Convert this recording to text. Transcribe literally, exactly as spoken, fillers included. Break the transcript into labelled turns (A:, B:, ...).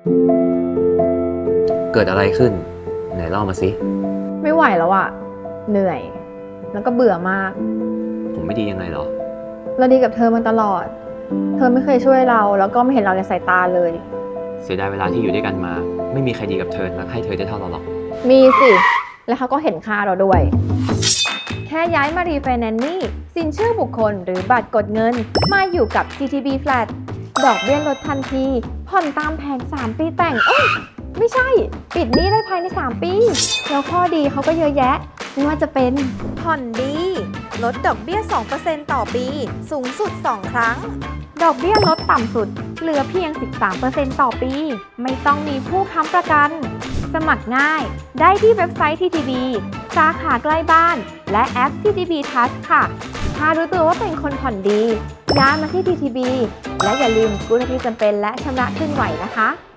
A: เกิดอะไรขึ้นไหนเล่ามาสิ
B: ไม่ไหวแล้วอะเหนื่อย แล้วก็เบื่อมาก
A: ผมไม่ดียังไงเหรอ
B: เราดีกับเธอมาตลอด เธอไม่เคยช่วยเรา แล้วก็ไม่เห็นเราในสายตาเลย
A: เสียดายเวลาที่อยู่ด้วยกันมา ไม่มีใครดีกับเธอและให้เธอได้เท่าเราหรอก
B: มีสิ แล้วเขาก็เห็นค่าเราด้วย แค่ย้ายมารีไฟแนนซ์นี่สินเชื่อบุคคลหรือบัตรกดเงิน มาอยู่กับ ที ที บี Flat ดอกเบี้ยลดทันที ผ่อนตามแผนสามปีแต่งเอ้ยไม่ใช่ ปิดหนี้ได้ภายในสามปี แล้วข้อดีเขาก็เยอะแยะ ไม่ว่าจะเป็น
C: ผ่อนดี ลดดอกเบี้ย สองเปอร์เซ็นต์ ต่อปี สูงสุด สอง ครั้ง
B: ดอกเบี้ยลดต่ำสุด เหลือเพียง สิบสามเปอร์เซ็นต์ ต่อปี ไม่ต้องมีผู้ค้ำประกัน สมัครง่าย ได้ที่เว็บไซต์ ที ที บี สาขาใกล้บ้าน และแอป ที ที บี Touch ค่ะ ถ้ารู้ตัวว่าเป็นคนผ่อนดีย้ายมาที่ ที ที บี และอย่าลืมกู้เท่าที่จำเป็นและชำระคืนไหวนะคะ